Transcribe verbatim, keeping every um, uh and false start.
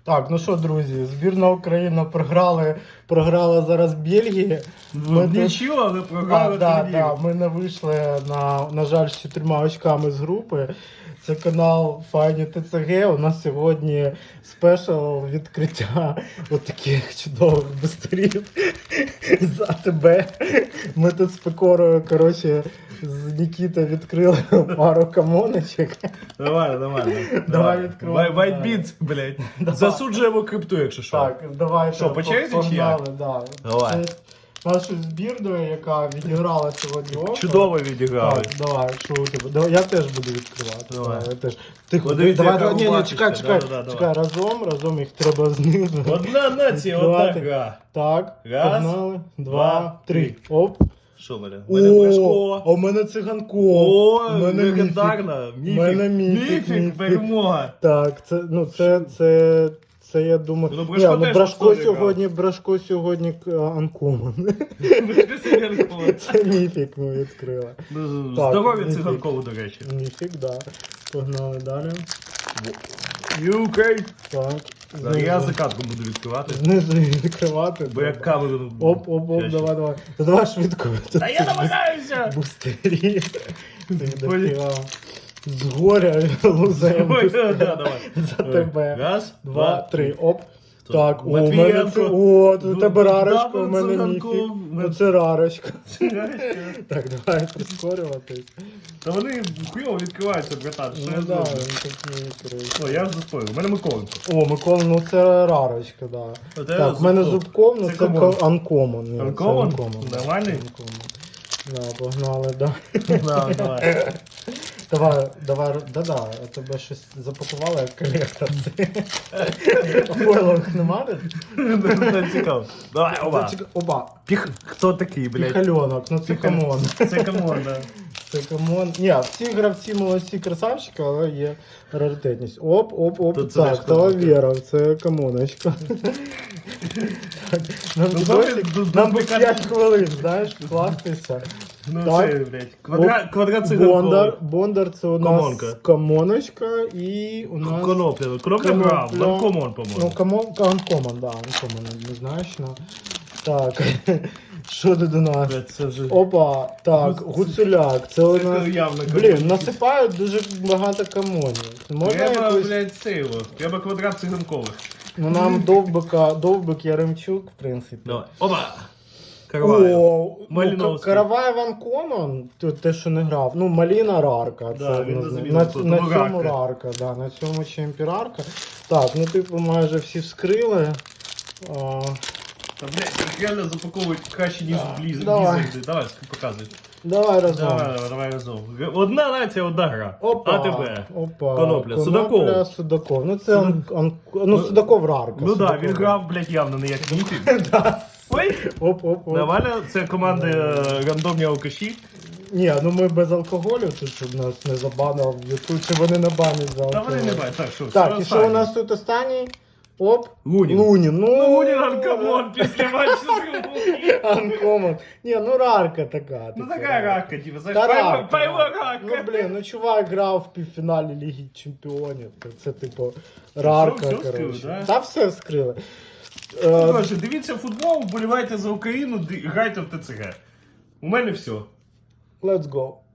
Так, ну що, друзі, збірна України програли, програла зараз Бельгії. Ми нічого, але програли да, турнір. да, ми не вийшли, на, на жаль, з чотирма очками з групи. Це канал Файні ТЦГ. У нас сьогодні спешл відкриття отаких чудових бустерів за тебе. Ми тут з Пекорою, коротше, з Нікітою відкрили пару камоночок. Давай, давай. Давай відкривай. Вайтбіт, блядь. Засуджуємо крипту, якщо що. Так, давайте. Що, по черзі чи як? Погнали, да. Давай. Це нашу збірну, яка відіграла сьогодні око. Чудово відіграли. Так, давай, що у тебе? Давай, я теж буду відкривати. Давай. Я теж. Тихо, Подивіться, давай, яка давай, ні, ні, рубашечка. чекай, чекай, Да, да, да, чекай, разом, разом їх треба знизу. Одна нація, одна Відкривати. гра. Так, Раз, погнали, два, два, три. три. Оп. Що в мене? У мене О, Брешко. а у мене циганко. О, У мене міфік. легендарна. У мене міфік, Міфік, міфік. перемога. Так, це, ну, це, це, це я думаю... Ну, Ні, Брешко ну, теж Брешко на сторі сьогодні, Брешко сьогодні анкомон. Брешко Сиденко. Це міфік ми відкрили. Так, Здоров'я міфік. циганкову, до речі. Міфік, да. Погнали далі. ю кей. Так. Так, я закатку буду відкривати. Знизу відкривати. Бо як камеру... Оп, оп, оп, давай, давай. Та давай швидко. Та я намагаюся! Бустері. Ти Ой. дофіга. Згоря лузаємо Ой, да, давай. за тебе. Раз, Два, три, оп. Так, о, у Матвієнко. мене це, о, у Ду- тебе ду- рарочка, у дабл мене циганку. міфік. Ну це рарочка. Так, давай прискорюватись. Та вони хуйово відкриваються, братан. Що я Ну да, зроблю? він такий, коротше. О, я вже заспорив. У мене Миколенко. О, Микола, ну це рарочка, да. От я Так, в мене зубков. зубком, ну Це це комон. ко- анкомон. Ні, це Анкомон? анкомон, да, Нормальний? це анкомон. Да, погнали, да. Да, давай. Давай, давай, да-да, я тебе щось запакувала як колектор. Фойлових нема? Це цікаво. Давай, оба. Зачекай, Оба. Піх... Хто такий, блядь? Піхальонок, ну це камон. Це камон, да. Це камон. Ні, всі гравці молодці красавчики, але є раритетність. Оп, оп, оп. Тут це Так, ж хто Талавєра, це камоночка. Так, Нам Ну, досі- добре, ду- нам би дублікат- п'ять хвилин, знаєш, кластися. Ну Так. це, блядь. Квадра... Квадрат Бондар, циганковий. Бондар це у нас Комонка. камоночка і у нас... Конопля. Конопля грав. Конопля. Ланкомон, Ну, по-моєму. камон, анкомон, да, анкомон, однозначно. Так, що тут у нас? Блядь, це вже... Опа, так, гуцуляк, це у Це нас... явно Блін, камон. насипають дуже багато камонів. Можна Треба, якось... блядь, сейво. Треба квадрат циганкових. Ну нам довбика, довбик Яремчук, в принципі. Давай. Опа! Карваю. О, ну, Маліновський. Караваєв Анкомон, то те, що не грав. Ну, Маліна Рарка. Да, Це, він на, на заміну на, тут, на ну, цьому Рарка. Рарка, да, на цьому чемпі Рарка. Так, ну типу майже всі вскрили. А, Та, блядь, їх реально запаковують краще, ніж Да. бліз. Давай. блізерди. Давай, показуй. давай разом. Давай, давай, давай разом. Одна нація, одна гра. Опа, А тебе? опа. Конопля. Судаков. Судаков. Ну це ан, ан, ну, Судаков Рарка. Ну так, да, Судаков він Рарка. грав, блядь, явно не як міфік. Ой! Оп, оп, оп. Нормально, це команди е, рандомні алкаші. Ні, ну ми без алкоголю, тут щоб нас не забанив Ютуб, чи вони не банять за Та алкоголь. вони не бачать. Так, що, Так, і що останнє? у нас тут останній? Оп. Лунін. Лунін. Ну, Ну, Лунін анкомон після матчу з Лунін. Анкомон. Ні, ну рарка така. Ну типу. така рака, типу, Та знаєш, пайво рарка. пайво рака. Ну, блін, ну чувак грав в півфіналі Ліги Чемпіонів. Це, це типу, рарка, все вскрили, коротше. да? Та все вскрили. Ну, Е, коротше, дивіться футбол, вболівайте за Україну, ди- грайте в ТЦГ. У мене все. Let's go.